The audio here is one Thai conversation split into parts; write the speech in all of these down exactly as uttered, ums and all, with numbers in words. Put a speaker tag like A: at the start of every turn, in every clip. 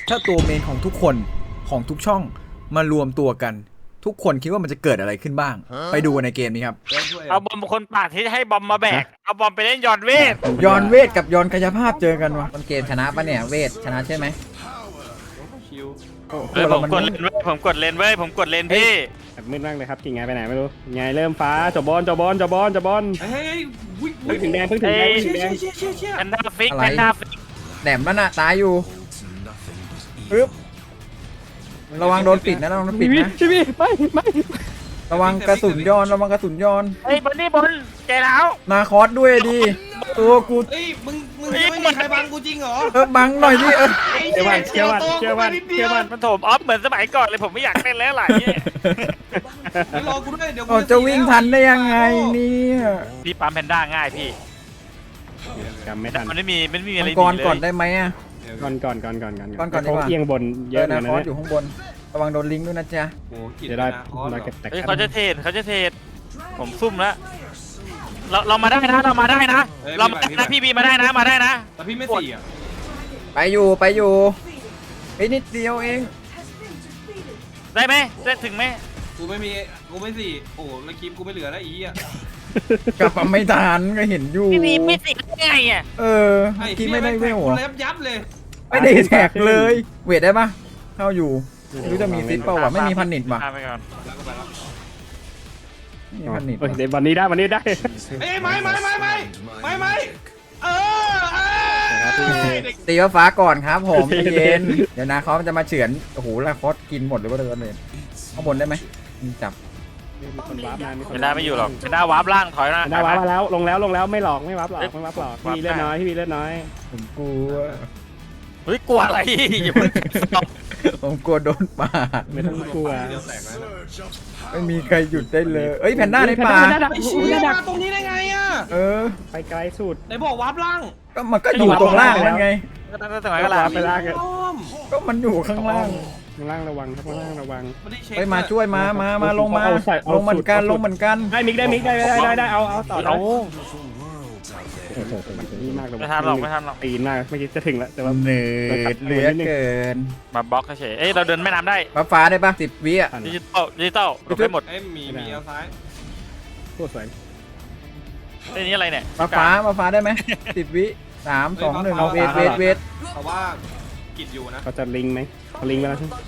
A: ถ้าตัวเมนของทุกคนของทุกช่องมารวมตัวกันทุกคนคิดว่ามันจะเกิดอะไรขึ้นบ้างไปดูในเกมนี้ครับ
B: เอาบอมคนปาดที่ให้บอมมาแบกเอาบอมไปเล่นยอนเวท
A: ยอนเวทกับยอนกายภาพเจอกันวะ
C: ต้นเกมชนะปะเนี่ยเวทชนะใช่ไหม
B: เฮ้ยผมกดเลนเว้ยผมกดเลนเว้ยผมกดเลนพี่
D: แบบมืดมากเลยครับกิ่งไงไปไหนไม่รู้ไงเริ่มฟ้าจบบอลจบบอลจบบอลจบบอล
E: เฮ้ย
D: เพิ่งถึงแดงเพิ่งถึงแดงเพิ่งถึงแดง
B: แพนด้าฟิกแพนด้าฟิก
C: แหลมมันอะตายอยู่ปึ๊บระวังโดนปิดนะระวังโดนปิดนะ
D: พี่พี่ไม่ไม่
C: ระวังกระสุนย้อนระวังกระสุนย้อน
B: เฮ้ยบอลนี่บอลแกแล้ว
C: นาคอสด้วยดิตัวกู
E: เฮ้ยมึงมึงไม่มีใครบังกูจริงเหรอ
C: เออบังหน่อยดิเออ
D: เชื่อมันเชื่อมันเชื่อมันเชื่อมัน
B: มันโถมออฟเหมือนสมัยก่อนเลยผมไม่อยากเล่นแล้วหลายเนี่ย
E: รอกูด้วยเดี๋ยว
C: กูจะวิ่งทันได้ยังไงเนี่ย
B: พี่ปั๊มแพนด้าง่ายพี่
D: จำไม่ทัน
B: มันไม่มีไม่มีอะไร
C: ก่อนก่อนได้ไหมอ่ะ
D: ก่อนก่อนก่อนก่อนก่อน
C: ก่อนก่อนดีกว่า
D: เอียงบนเยอะ
C: นะคอสอยู่ข้างบนระวังโดนลิงด้วยนะจ๊ะ
E: โอ้กิน
D: จะได้
E: ได้
B: เฮ้ยเขาจะเทรดเขาจะเทรดผมซุ่มแล้วเราเรามาได้นะเรามาได้นะเรามาได้นะพี่บีมาได้นะมาได้นะ
E: แต่พี่ไม่สี่อ่ะ
C: ไปอยู่ไปอยู่ไอ้นิดเดียวเอง
B: ได้ไหมได้ถึงไหม
E: กูไม่มีกูไม่สี่โอ้แล้วคลิปกูไม่เหลือแล้วอีอ่ะ
C: กลับไม่ทันก็เห็นอยู่
B: พี่บีไม่สิได้ไงอ่ะ
C: เออกี้ไม่ได้เวล
E: กูเล็บยับเลย
C: ไม่ได้แท็กเลยเวทได้ปะเข้าอยู่ไม่รู้จะมีซิปเปล่าวะไม่มีพันนิดว่ะมีพันนิด
D: เดี๋ยววันนี้ได้วันนี้ได้
E: เอ้ยไม่ไม่ไม่ไม่ไม่ไม่เออ
C: ตีฟ้าก่อนครับผมเย็นเดี๋ยวนะเขาจะมาเฉือนโอ้โหแล้วคอสกินหมดหรือว่าเดินเลยข้างบนได้ไหมจับ
B: ไม่ได้ไม่อยู่หรอกไม่ได้วาร์ปล่างถอยนะ
D: ได้วาร์ปมาแล้วลงแล้วลงแล้วไม่หลอกไม่วาร์ปหลอกไม่วาร์ปหลอกพี่เลือดน้อยพี่เลือดน้อย
C: ผมกลัว
B: เฮ้ยกลัวอะไร
C: ผมกลัวโดนป่า
D: ไม่ต้องกลัว
C: ไม่มีใครหยุดได้เลยเอ้ยแพนด้าในป่า
E: ไอ้เชี่ยตรงนี้ได้ไงอ่ะ
C: เออ
D: ไปไกลสุด
E: ไหนบอกวาร์ปล่าง
C: ก็มันก็อยู่ตรงล่างแล้วไง
B: ก็ตั้งแต่ไหนก็ล่าง
D: ไปล่าง
C: ก็มันอยู่ข้างล่าง
D: ข้างล่างระวังครับข้างล่างระวัง
C: ไปมาช่วยมามามาลงมาลงเหมือนกันลงเหมือนกัน
D: ได้มิกได้มิกได้ได้ได้ได้เอาเอาต่อเอานี่มากเลย
B: ไม่ทันหรอกไม่ทันหรอก
D: ตีนมากไม่คิดจะถึงแล้วแต่ว่า
C: เหนื่อยเหลือเกิน
B: มาบล็อกเฉยเอ้ยเราเดินแม่น้ำได้
C: ฟ้าฟ้าได้ปะสิบวิอ่ะ
B: ดิจิตอลดิจิตอลไปหมด
E: เอ้ยมีมีเอาซ้าย
D: โคตรสวย
B: ไอ้นี่อะไรเนี่ย
C: ฟ้าฟ้าฟ้าฟ้าได้ไหมสิบวิสามสองหนึ่งเอาเวทเวทเวท
E: เพราะว่ากิดอยู่นะ
D: เขาจะลิงไหมเขาลิงไปแล้วใช่ไหม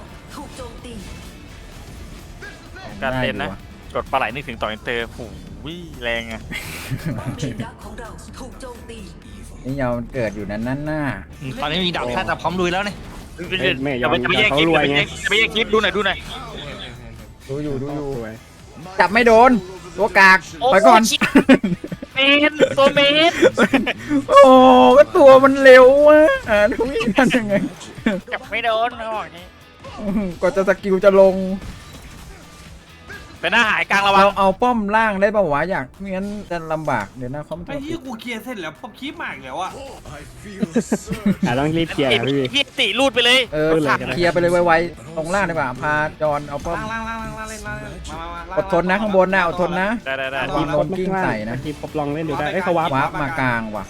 B: การเล่นนะกดปลาไหลนึกถึงต่ออินเตอร์หูวิแรงอะ
C: นี่ยาวเกิดอยู่นั้นนั่นน่ะ
B: ตอนนี้มีดาบแค่แต่พร้อมลุยแล้วเนี่ย
D: ไม่ยอม
B: จะไปแย่งคลิปจะไปแย่งคลิปดูหน่อยดูหน่อย
C: ดูอยู่ดูอยู่จับไม่โดนตัวกากไปก่อน
B: เมนตัวเมน
C: โอ้ก็ตัวมันเร็วอ่ะอ่าดูนี่ทำยังไง
B: จับไม่โดนเขาบอกนี้
C: ก็จะสกิลจะลง
B: เป็นหน้าหายกลางระวัง
C: เราเอาป้อมล่างได้ป่าววะอยากไม่งั้นจะลำบากเดี๋ยวนะเขาไม่
E: ไอ้ที่กูเคลียร์เสร็จแล้วพอคลิปมากแล้วอ่ะ
D: อ่ะต้องรีบเคลียร์พี่
B: พี่ติรูดไปเลย
C: เออเคลียร์ไปเลยไวๆตรงล่างดีกว่าพาจอนเอาป้อม
E: ล่างล่างล่างล่างเล่นล่าง
C: อดทนนะข้างบนนะอดทนนะ
B: ได้ได้ได้
C: ทีมลงกิ้งใส่นะ
D: ทีมปลองเล่นดูได้ไอ้เขาวาร์ป
C: วาร์ปมากลางว่ะ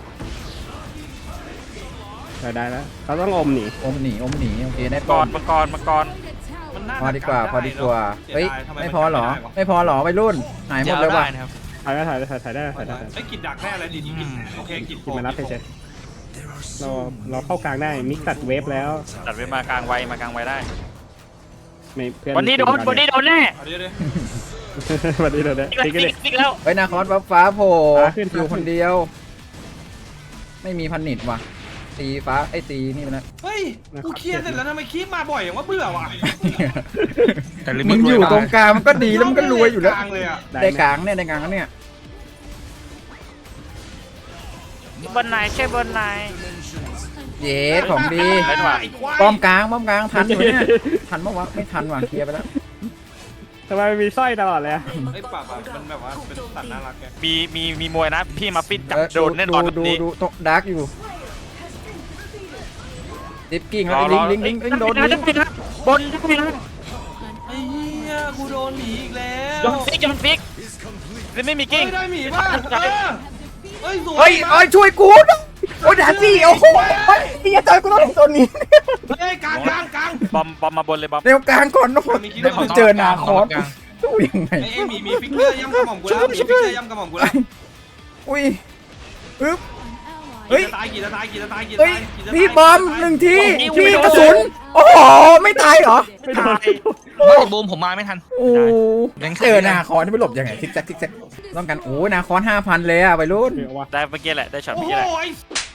D: ได้ได้แล้วเขาต้องอมหนี
C: อมหนีอมหนีโอเคได้
B: ก่อนมังกรมังกร
C: พอดีกว่าพอดีกว่าเฮ้ยไม่พอหรอไม่พอหรอไปรุ่นหายหมดเลยว่ะ
D: ถ่ายได้ถ่ายได้ถ่ายได้ถ่ายได้
E: ไอ้กิดดักแน่เลยดิกิดโอเคกิด
D: กิดมารับเฉยเราเราเข้ากลางได้มิกตัดเวฟแล้ว
B: ตัดเวฟมากลางไวมากลางไวได้
D: ไม่เพื่อน
B: วันนี้โดนวันนี้โดนแน่
D: วันนี้โดนแน่
B: ติ๊กติ๊กแล้ว
C: ไปนาคอสฟ้าฟ้าโผล่อยู่คนเดียวไม่มีพันนิดว่ะตีฟ้าไอ้ตีนี่มันนะ
E: เฮ้ยกูเคลียร์เสร็จแล้วทำไมคลิปมาบ่อยอย่างว่าเบื่อว่ะ
C: มึงอยู่ตรงกลางมันก็ดีแล้วมันก็รวยอยู่แล้วได้กลางเนี่ยได้กลางเนี่ย
B: บนไหนใช่บนไหน
C: เย้ของดีป้อมกลางป้อมกลางทันอยู่เนี่ยทันเมื่อวะไม่ทันว่ะเคลียร์ไปแล้ว
D: ทำไมมีสร้อยตลอดเลย
E: ไอ้ปากมันแบบว่าเป็นสัตว์น่ารักแก
B: มีมีมีมวยนะพี่มาฟิตจับโดนแน่นอน
C: ดูดูตกดาร์กอยู่ดิฟกิ้งแล้วลิงลิงลิงลิงโดนลิง
B: บนทุกทีนะ
E: ไอ้เหี้ยกูโดนหมีอีกแล้ว
B: ยอนฟิกยอนฟิกไม่มีกิ้ง
E: ได้หมีป่ะเฮ้ย
C: เฮ้ยเฮ้ยช่วยกูโอ้ด่าสิโอ้โหเฮ้ยอย่าเจอกูต้องตัวนี้
B: บอมบอมมาบนเลยบอม
C: เร็วกลางก่อนนะผมเจอนาคอสตู้ยังไง
E: ไอ้ไอ้หมีมีฟิกเกอร์ย่ำกระหม่อมกูแล้วมีฟิกเกอร์ย่ำกระหม่อมกูแล้ว
C: อุ้ยปึ๊บ เฮ้ย
E: ตายกี่ตายกี่ตายกี่
C: เฮ้ย
E: ตายกี่ตาย
C: พี่บอมหนึ่งทีพี่กระสุนโอ้โหไม่ตายเหรอ
D: ไม่โดน
F: ไม่บูมผมมาไม่ทัน
C: โอ้
F: ยัง
C: เจอนาคอนที่ไปหลบยังไงทิกแซกทิกแซกต้องกันโอ้นาคอนห้าพันเลยอะไปรุ่น
D: เดี๋ยววะ
B: ได้เมื่อกี้แหละได้ช็อต
E: โอ้
B: เมื่อกี้แหละ
E: ย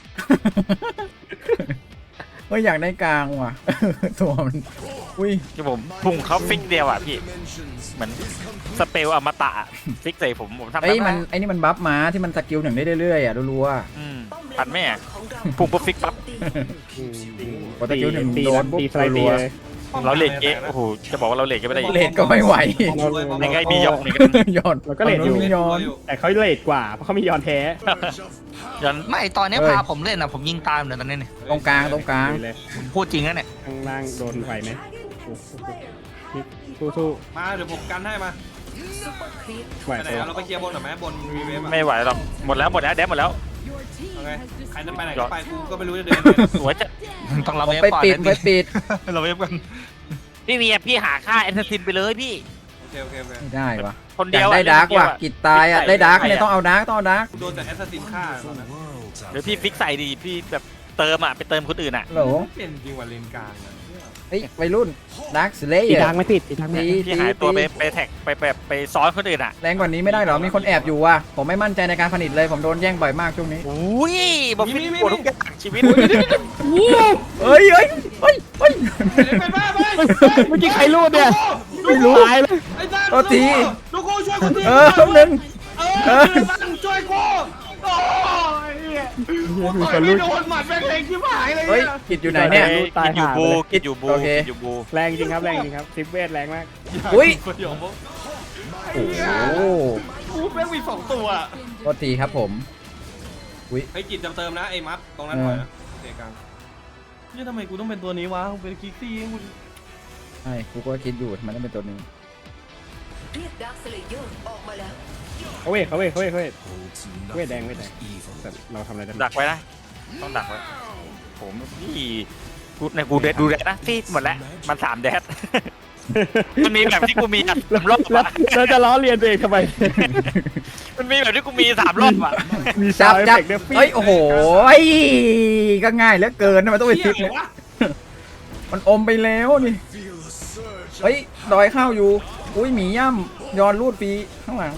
C: ไม่อยากได้กลางว่ะ ตัวมันอุ้ย
B: ที่ผมพุ่งเขาฟิกเดียวอ่ะพี่เหมือนสเปลอมตะฟิกใส่ผมผมทำ
C: ไอ้ย
B: ได้
C: มันไอ้นี่มันบัฟมาที่มันสกิลหนึ่งได้เรื่อยๆอ่ะรัวๆอะ
B: อืมปัดแม่พุ่งปุ๊บฟิกปั๊บ
D: อืมอืม
C: พอสกิลหนึ่ง
D: ตี
C: โดนปุ๊บ
D: ตีสไลด์ตี
C: รัว
D: เลย
B: เราเลดเกะโอ้โหจะบอกว่าเราเลดก็ไม่ได้
C: ๆเลดก็ไม่ไหว
B: ในไงมีหยอกนี่ก็
C: ย้อน
D: เราก็เลดอยู่
C: ย้อน
D: แต่เขาเลดกว่าเพราะเขามียอนแท้
B: ยัน
F: ไม่ตอนนี้
C: เฮ้ย
F: พาผมเล่นนะผมยิงตามเลยตอนนี้เนี่ย
C: ตรงกลางตรงกลาง
D: ลุยเลย
F: ผมพูดจริงนะเนี่ย
D: ข้างล่างโดนไหวไหมโอ้โหนี่สู้
E: มาเดี๋ยวผมกันให้มา
D: ๆไหว
E: ไปไหน
D: ตัว
E: อะเราไปเคลียร์บนหน่อยไหมบนมีเวฟอะ
B: ไม่ไหวหรอกหมดแล้วหมดแล้วแดมหมดแล้ว
E: เอาไงใครจะไปไหนก็ไปกูก็ไม่รู้จะเดิน
B: สวยจะ
F: ต้องรับ
C: ผม
F: เวฟ
C: ไป
F: ก่อน
C: ปิด
F: นะ
C: ไปปิด
F: เราเวฟกัน
B: พี่เวียพี่หาค่าแอนเทอร์ซินไปเลยพี่
E: โอเคโอเคโอเค
C: ไม่ได้ว่ะ
B: คน
C: อ
B: เดี
C: ยา
B: ยว
C: กได้ดาร์กว่ะกิดตายอ่ะได้ดาร์กเนี่ยต้องเอาดาร์กต้องเอาดาร์ก
E: กูโดนแต่แอสซัสซินฆ่าตอนนั้น
B: หรือพี่ฟิกใส่ดีพี่แบบเติมอ่ะไปเติมคนอื่นอ่ะ
C: โหล
E: เป็นจริงว่าเลนกลางอะ
C: เฮ้ยวัยรุ่นดาร์กสเล
D: ตี
C: ย์
D: ทางไม่ติดตีทางไม่
C: ตี
D: ติด
B: พี่หายตัวไปไปแท็กไปแบบไปซ้อนคนอื่นอ่ะ
C: แรงกว่านี้ไม่ได้เหรอมีคนแอบอยู่ว่ะผมไม่มั่นใจในการผลิตเลยผมโดนแย่งบ่อยมากช่วงนี้
B: อุ้ยบอกฟิกปวดทุกอย่างชีวิต
C: เฮ้ยเฮ้ยเฮ้ยเฮ้ย
E: เป็นบ้าไป
D: เมื่อกี้ใครรูดเนี่ย
C: ไม่รู้
D: ตายเลย
E: ไอ้จ้า
C: โทษที
E: ดูกูช่วยกูที
C: เออแป๊บนึง
E: เออช่วยกูโอ้ยกูต่อยไม่โดนหมัดแม่งเล็งที่หายเลย
C: เฮ้ยกิดอยู่ไหนเนี่ย
B: กินอยู่บูกินอยู่บู
C: โอเค
B: กินอยู่บู
D: แรงจริงครับแรงจริงครับซิปเวทแรงมาก
C: อุ้ย
E: ประโยคบอก
C: โอ้โห
E: กูแม่งมีสองตัว
C: โทษทีครับผม
E: ไอ้กิจจำเติมนะไอ้มัดตรงนั้นหน่อยนะเด็กกลางนี่ทำไมกูต้องเป็นตัวนี้วะกูเป็นคิกซี่กู
C: ใช่กูก็คิดอยู่ทำไมต้องเป็นตัวนี้
G: เรียกดาร์คสเลเยอร์ออกมาแล้ว
D: เขาเวทเขาเวทเขาเวทเขาเวทเวทแดงเวทแดงแต่เราทำอะไรได้
B: ดักไว้นะต้องดักไว้ผมพี่กูในกูเดดดูแดดนะพี่หมดแล้วมันสามแดดมันมีแบบที่กูมีอ่ะสามรอบ
D: แล้ว
B: อ่ะ
D: เราจะล้อเลียนตัวเองทำไม
B: มันมีแบบที่กูมีสามรอบอ่ะ
D: มี
C: จั
D: ซา
C: บ
D: วด์
C: จับ
D: เอฟเฟกต์ด้วย
C: เฮ้ยโอ้โหยก็ง่ายเหลือเกินทำไมต้องไปฟิกเนี่ยมันอมไปแล้วนี่เฮ้ยดอยข้าวอยู่อุ้ยหมีย่ำย้อนรูดปีข้างหลัง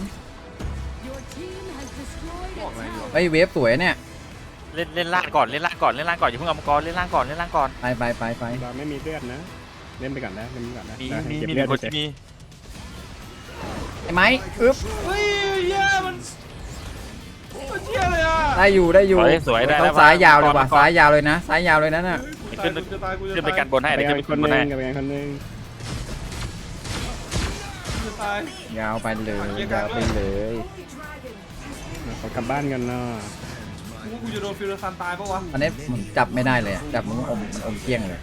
C: เฮ้ยเวฟสวยเนี่ย
B: เล่นเล่นล่างก่อนเล่นล่างก่อนเล่นล่างก่อนอย่าเพิ่งเอามังกรเล่นล่างก่อนเล่นล่างก่อน
C: ไปไปไปไป
D: เราไม่มีเลือดนะ เล่นไปก่อนนะเล่นไปก่อนนะ
B: มี
D: ได้
B: มี
D: เก็บ
B: มี
D: เลือด
B: คน
D: เฉย
B: มี
C: ไอ้ไม้อึ๊บ
E: เฮ้ยเย้มันมันเชี่ยเลยอ่ะ
C: ได้อยู่ได้อยู่
B: สวยสวยได้
C: ต้
B: แล้
C: อ
B: ว
C: งซ้ายยาวเลยว่ะ
B: มังกร
C: ซ้ายยาวเลยนะซ้ายยาวเลยนะน่ะ
B: ขึ้น
E: จะตายกูจะ
B: ขึ้นไป
E: ตาย
B: กันบนให้
D: ไป
B: เดี๋ยว
D: กั
B: ขึ้
D: น
B: น
D: ค
B: ไป
D: น
B: กัน
D: ห
B: บนให้
D: นึงกับไปกันคนหนึง
E: จะตาย
C: ยาวไปเลยยาวไปเลย
D: ขอกลับบ้านกันเนาะ
E: กูกูจะโดนฟิลซันตายปะวะ
C: อันนี้ผมจับไม่ได้เลยอะจับมันอมมันอมเกลี้ยงเลย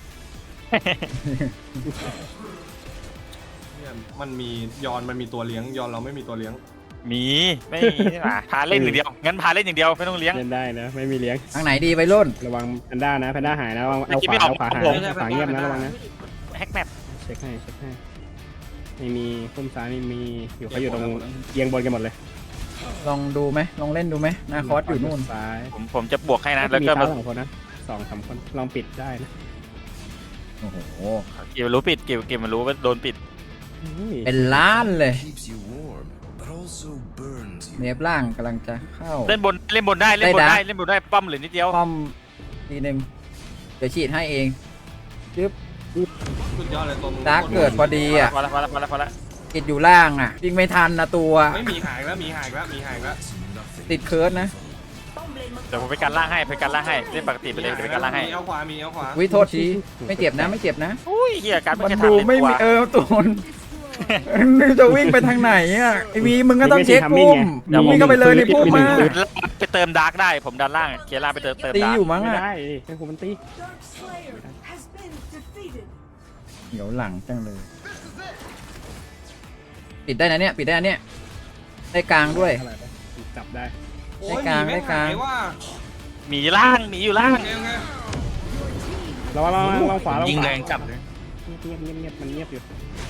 E: เนี่ยมันมียอนมันมีตัวเลี้ยงยอนเราไม่มีตัวเลี้ยง
B: มีไม่มีอ่ะพาเล่นอย่างเดียวงั้นพาเล่นอย่างเดียวไม่ต้องเลี้ยง
D: เล่นได้นะไม่มีเลี้ยง
C: ทางไหนดีไปรุ่น
D: ระวังแพนด้านะแพนด้าหายนะระวังเอา
B: เมื่อกี้
D: ข
B: ไม่
D: วา
B: ออก
D: เอาขวาหาย
B: ผม
D: ขวาเงียบนะระวังนะ
B: แฮกแมป
D: เช็คให้เช็คให้ไม่มีพุ่มซ้ายไม่มีอยู่เขาอยู่ตรงเอียงบนกันหมดเลย
C: ลองดูไหมลองเล่นดูไหมหน้าคอร์สอยู่นู่น
D: ซ้าย
B: ผมผมจะบวกให้นะ
D: แล้
B: แล้ว ว
D: มี
B: ก็
D: เท้า
B: มา
D: สองคนนะสองสามคนลองปิดได้นะ
C: โอ้โห
B: เกี่ยวรู้ปิดเกี่ยวเกี่ยวมันรู้ว่าโดนปิด
D: อุ้ย
C: เป็นล้านเลย
H: keeps you warm, but also burns you.
C: เนฟล่างกำลังจะเข้า
B: เล่นบนเล่นบนได้เล่นบน
C: ได้
B: ได้
C: นะ
B: เล่นบนได้ป้อมเหลือนิดเดียว
C: ป้อมทีหนึ่งเดี๋ยวฉีดให้เองจึ๊บ
E: สุดยอดเลยตัวมึง
C: ดาร์กเกิดพอดีอ่ะ
B: พอละพอละพอละพอละ
C: ติดอยู่ล่างอ่ะวิ่งไม่ทันนะตัว
E: ไม่มีหายแล้วมีหายแล้วมีหายแล้ว
C: ติดเคิร์ดนะ
G: ป้อมเลนมังกร
B: เดี๋ยวผมไปการล่างให้ไปการล่างให้เล่นปกติไปเลยเดี๋ยวไปการล่างให้
E: มีเอาขวามีเอาขวา
C: วิโทษทีไม่เจ็บนะไม่เจ็บนะ
B: อุ้ยเฮียการ
C: มัน
B: จะ
C: ดู
B: ทำเล่น
C: ไม่
B: ตัว
C: มีเออตัวมันมึงจะวิ่งไปทางไหนอ่ะไอวีมึงก็ต้องเช็คพุ่มมึงวิ่งเข้าไปเลยในพุ่มมา
B: ไปเติมดาร์กได้ผมดันล่างเคลียร์ล่างไปเติมเติม
C: ตี
B: ดาร์
C: อก ยู่มั้ง
D: ไม่
C: อ่ะ
D: ได้ให้คุณมันตี
C: เดี๋ยวหลังจังเลย ปิดได้นะเนี่ยปิดได้นะเนี่ยได้กลางด้วย
D: อะไรไปจับได้
E: โอ้ย
C: ได้กลาง
E: มีแม่
C: ได้กลาง
E: หยว่า
B: หมีล่างหมีอยู่ล่าง
E: โอเคโอเค
D: เราเราเราขวาเรา
F: ยิง
D: ขวา
F: แรงจับเลย
D: เงียบเงียบเงียบมันเงียบอยู่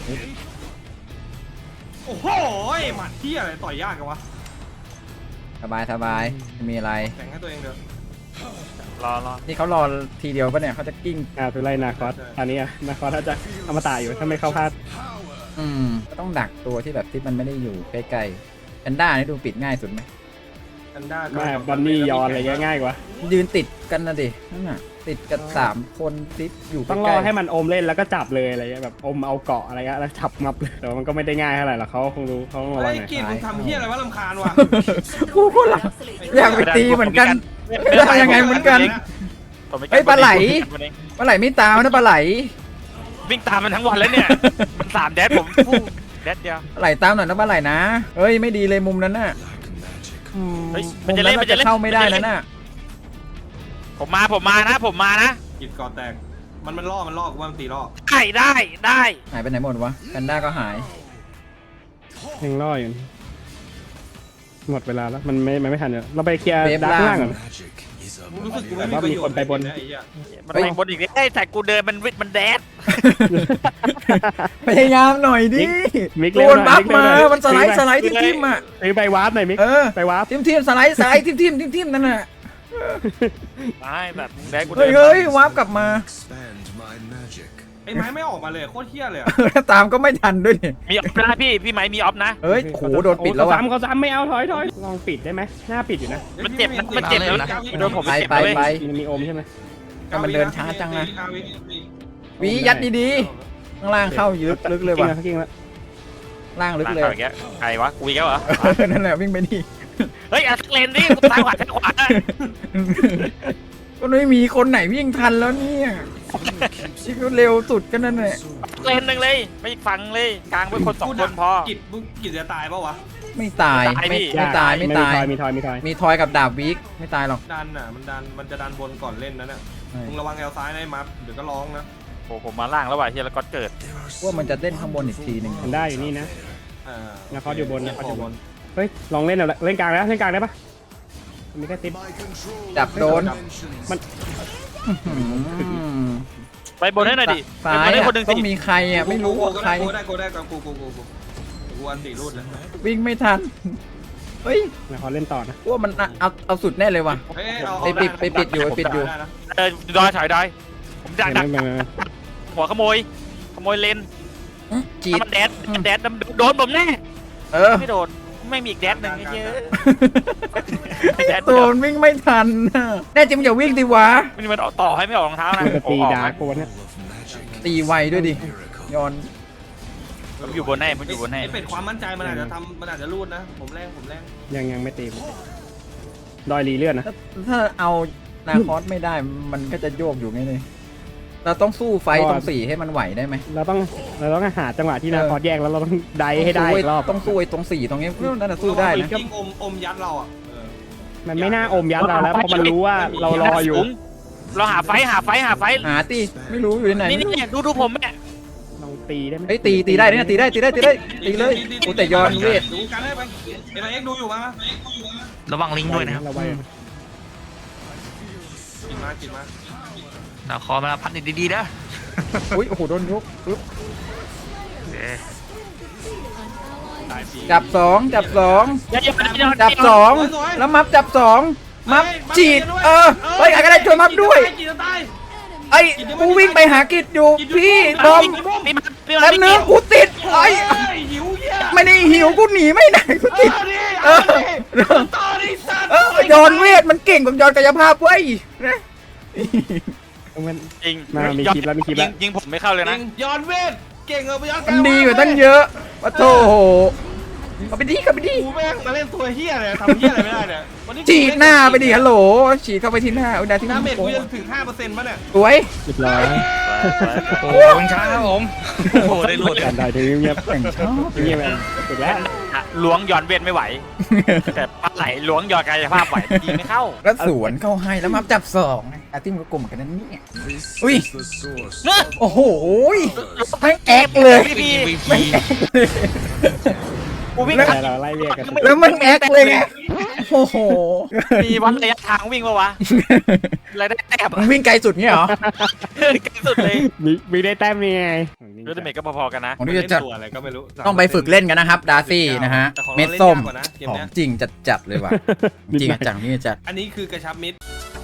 E: โอ้โหหมัดที่อะไรต่อยยากกันวะ
C: สบายสบายไม่มีอะไร
E: แข่งให้ตัวเองเถอะ
B: รอรอ
C: นี่เขารอทีเดียวปะเนี่ยเขาจะกิ้ง
D: อ่าไปไล่นาคอสอันนี้อะนาคอสถ้าจะอมตะอยู่ถ้าไม่เข้าพลาด
C: อืมก็ต้องดักตัวที่แบบที่มันไม่ได้อยู่ใกล้ๆแพนด้านี่ดูปิดง่ายสุดไหม
E: อันด้า
D: แม่บันนี่ยอนอะไรเงี้ยง่ายกว่า
C: ยืนติดกันนะดินั่นน่ะติดกันสามคนติดอยู่ใก
D: ต้องร
C: ล้
D: อให้มันอมเล่นแล้วก็จับเลยอะไรเงี้ยแบบอมเอาเกาะอะไรเงี้ยแล้วจับงับเลยแต่ว่ามันก็ไม่ได้ง่ายเท่าไหร่หรอกเขาคงรู้เขาต้องระวั
E: ไอ้
D: งหน่อย
E: กินมึงทำเฮียอะไรวะรำคาญว่ะ
C: ๆกูก็หลังอยากไปตีเหมือนกันไม่ได้ยังไงเหมือนกัน
B: ผมม่
C: เฮ้ยปลาไหล
B: วันนี้
C: ปลาไหลไม่ตามนะปลาไหล
B: วิ่งตามมันทั้งวันแล้วเนี่ย มันสามแดดผมฟู่แดดเดียว
C: ปลาไหลตามหน่อยนะปลาไหลนะเฮ้ยไม่ดีเลยมุมนั้นน่ะ
H: Like magic.
C: อืม
B: เฮ้ยมั
C: มุ
B: น
C: ม
B: จะ
C: นั้
B: เล่
C: น
B: น
C: มันจะเข้าไม่ได้
B: มันจะเล่
C: นะ
B: น
C: น่ะ
B: ผมมาผมมานะผมมานะ
E: กิดก่อแตกมันมันล่อมันล่อกูว่ามันตีล่อ
B: ได้ได้ได้
C: หายไปไหนหมดวะแพนด้าก็หาย
D: ยังรออยู่หมดเวลาแล้วมันไม่มันไม่ทันเลยเราไปเคลียร์ดาร์กข้างล่างก่อน
H: Magic is a
E: รู้สึกกู
H: mighty
E: ไม่มีประโยชน์
D: แต่ว่ามีคนไปบน
E: ไอ้เหี้ย
B: มันไปบนอีกเอ้ยแต่กูเดินมันวิทมันแดด
C: พยายามหน่อยดิ
D: มิก
C: โด
D: เร็วน หน่
C: บั
D: อย
C: ฟ
D: มิก
C: มา
D: เร็วหน่อย
C: มันสไลด์สไลด์ทิมทิมอ่ะ
D: ซื้อไปวาร์ปหน่อยมิก
C: เออ
D: ไปวาร์ป
C: ทิมทิมสไลด์สไลด์ทิมทิมทิมทิมนั่นน่ะ
B: ไม่แบบแดดกู
C: เฮ้
B: เดิ
C: ย
B: น
C: เฮ้ยวาร์ปกลับมา
H: expand my magic.
E: ไอ้ไม้ไม่ออกมาเลยโคตรเฮี้ยเลยอะ
C: ตามก็ไม่ทันด้วยนี่
B: มีออฟนะพี่พี่ไหมมีออฟนะ
C: เฮ้ยโหโดนปิดแล้ว
D: เขา
C: ว่ะ
D: ซ้ำเขาซ้ำไม่เอาถอยถอยลองปิดได้ไหมหน้าปิดอยู่นะ
B: มันเจ็บนะมันเจ็บนะโดนผม
C: ไป
B: เจ็บ
C: ไป
B: เลย
C: ไป
D: มันมีอมใช่ไหม
C: ให้มันเดินช้าจังนะ
E: เก้าวิ
C: วียัดดีๆข้างล่างเข้าลึกลึกเลยว่ะ
D: กิ้งแล้ว
C: ล่างลึก
B: หลัง
C: เลย
B: ต่อยแกใครวะกูอีกแล้วเหรอ
C: นั่นแหละวิ่งไปดิ
B: เฮ้ยอัดเลนดิกูตายขวาตายขวา
C: ก็ไม่มีคนไหนวิ่งทันแล้วเนี่ยที่เขาเร็วสุดก็นั่นแหละ
B: เลนหนึ่งเลยไปอีกฝั่งเลยกลางไว้คนสองคนพอ
E: กิดมึงกิดจะตายปะวะ
C: ไม่ตาย
B: ตาย
C: ไม่
B: พี่
C: ไม่ตายไม่ตาย
D: มีทอยมีทอย
C: มีทอยกับดาบวิกไม่ตายหรอก
E: ดันอ่ะมันดันมันจะดันบนก่อนเล่นนะเนี่ยมึงระวังแอลซ้ายนะไอ้มัฟเดี๋ยวก็ร้องนะ
B: โอ้ผมมาล่างแล้วว่ะเฮียแล้วก็เกิด
C: ว่ามันจะเล่นข้างบนอีกทีหนึ่ง
D: มันได้อยู่นี่นะ
E: เออ
D: นาคอสอยู่บนนาคอสอยู่บน
E: น
D: เฮ้ยลองเล่นเอาละเล่นกลางแล้วเล่นกลางได้ปะมีแค่ติ๊บ
H: My control
C: จับโดน
H: dimensions.
D: มัน
C: อืม
B: ไปบนให้หน่อยดิไป
C: ซ้า
B: บ
C: ย
B: นให้
C: อะ
B: คนหนึ่ง
C: ต้อ
B: สิ
C: งมีใครอ่ะไม่รู้ว่าใคร
E: กูได้กูได้กูกูกูกูกูกูอันตีรูดเลย
C: วิ่งไม่ทันเฮ้ย
D: นาคอสเล่นต่อนะ
C: ว่ามันเอาเอาเอาสุดแน่เลยว่ะ
E: เฮ้ยเอา
C: ไปปิดไปปิดอยู่ไปปิดอยู่
E: ได้นะ
B: เออดอยถอยดอยผมดักดัก
D: ไม่ไม่ไม่
B: หัวขโมยขโมยเลน
C: อื้อจีด
B: ถ้ามันแดดมันแดดโดนผมแน่
C: เออ
B: ไม่โดนไม่มีอีกแดดหนึ่งไอ้เหี้ยแดด
C: โดนวิ่งไม่ทันน่ะแน่จริงอย่าวิ่งดิวะ
B: มันมันต่อให้ไม่ออกรองเท้านะ
D: มันจะตี
B: ออก
D: ดา
B: ไหม
D: ร์กโกนเนี่ย
H: Of magic.
C: ตีไวด้วยดิ
H: Miracle.
C: ย้อน
B: ผมอยู่บนให้ผมอยู่บนให้
E: ไอ้เป็ดความมั่นใจมันอาจจะทำมันอาจจะรูดนะ ผมแรงผมแรง
D: ยังยังไม่ตีดอยรีเลื่อนนะ
C: ถ้าถ้าเอานาคอสไม่ได้มันก็จะโยกอยู่ไงนี่เราต้องสู้ไฟต์ตรงสี่ให้มันไหวได้ไหม
D: เราต้องเราต้องหาจังหวะที่นาคอสแยกแล้วเราต้องไดให้ได้อีกรอบ
C: ต้องสู้ไอ้ตรงสี่ตรงนี้นั่นน่ะสู้ได้นะ
E: ยิงอมอมยัดเราอ่ะเออ
D: มันไม่น่าอมยัดเราแล้วเพราะมันรู้ว่าเรารออยู่
B: เราหาไฟหาไฟหาไฟ
C: หาตีไม่รู้อยู่ที่ไหน
B: นี่นี่ดูดูผมเนี่ย
D: ลองตีได้ไหม
C: เฮ้ยตีตีได้เนี่ยตีได้ตีได้ตีได้ตีเลยโอ้แต่ย้อนเวท
E: ดูกันให้ไปเอ็นไอเอ็กดูอยู่มั้ย
F: ระวังลิงก์ด้วยนะครับ
D: เราไว้
E: กินมากินมา
F: นาคอมาพัดดีๆนะ
C: อุ้ยโอ้โหโดนยกปึ๊บ
F: เอ๊ะ
E: ตายปี
C: จับสองจับสอง
B: อย่าอย่าอย่า
C: จับสองแล้วมัฟจับสองมัฟจีดเออเฮ้ยใครก็ได้ช่วยมัฟด้วย
E: กินจะตาย
C: ไอ้กูวิ่งไปหากิจอยู่พี่บอม
B: พี่มันพี่
C: แป๊
B: มั
C: บ
B: น
C: นึงกูติดไอ้
E: เฮ้ยหิวเหี้ย
C: ไม่ได้หิวกูหนีไม่ได้กูติด
E: เออดิต่อดิสัตว์
C: เออย้อนเวทมันเก่งกว่าย้อนกายภาพเว้ยนะ
D: มัน
B: จริง
D: มามีคลิปแล้วมีคลิปแล้ว
B: ยิงผมไม่เข้าเลยนะ
E: ย้อนเวทเก่งเออไปย้อน
C: มันดีกว่าตั้งเยอะปะโถเอาไปดีกับไปดี
E: กูแม่งมาเล่นตัวเฮี้ยเลยทำเฮี้ยอะไรไม่ได้เนี่ยวันนี้
C: ฉีดหน้าไปดิฮัลโหลฉีดเข้าไปที่หน้าเอาดาที่ห
E: น้า
C: น้า
E: เมจ
C: โก
E: กู
C: ง
E: จะถึงห้าเปอร์เซ็นต์ป่ะเนี่ย
C: สวย
D: เรียบร้อย
F: โอ้โหเป็นช้าครับผมโอ้โหได้รูดเลย
D: การได้ถึงเงียบ
C: แต่งชอบ
D: เงียบแบบสุดแล้ว
B: ล้วงย้อนเวทไม่ไหว แต่ปลาไหลล้วงย้อนกายภาพไหวดีไม่เข้า
C: แล้วสวนเข้าให้แล้วมัฟจับสองอาร์ติ้มก็กลมกันนั่นนี่
H: This
C: Ui.
H: is the source.
C: โอ้โหทั้งแอกเลย
B: พี่พี่
C: แม่งแอกเลย
B: กูวิ่ง
D: แต่เราไล่เรียกกัน
C: แล้วมันแอกเลยไงโอ้โห
B: มีวัดระยะทางวิ่งปะวะอะไรได้แต้ม
C: มึงวิ่งไกลสุดเงี้ยเหรอ
B: ไกลสุดเลย
D: มีมีได้แต้มนี่ไง
B: เรื่องเมกก็พอๆกันนะ
C: ของนี่จะจัด
E: ตัวอะไรก็ไม่รู้
C: ต้องไปฝึกเล่นกันนะครับ ดาร์ซี่นะฮะ
E: แต่ของ
C: เม็
E: เรา
C: ด
E: เล่น
C: ส้ม
E: ยากกว่านะเกม
C: ของ
E: เนี้ย
C: จริงจัดจัดๆเลยว่ะ จริงจังนี่จัด
E: อันนี้คือกระชับมิด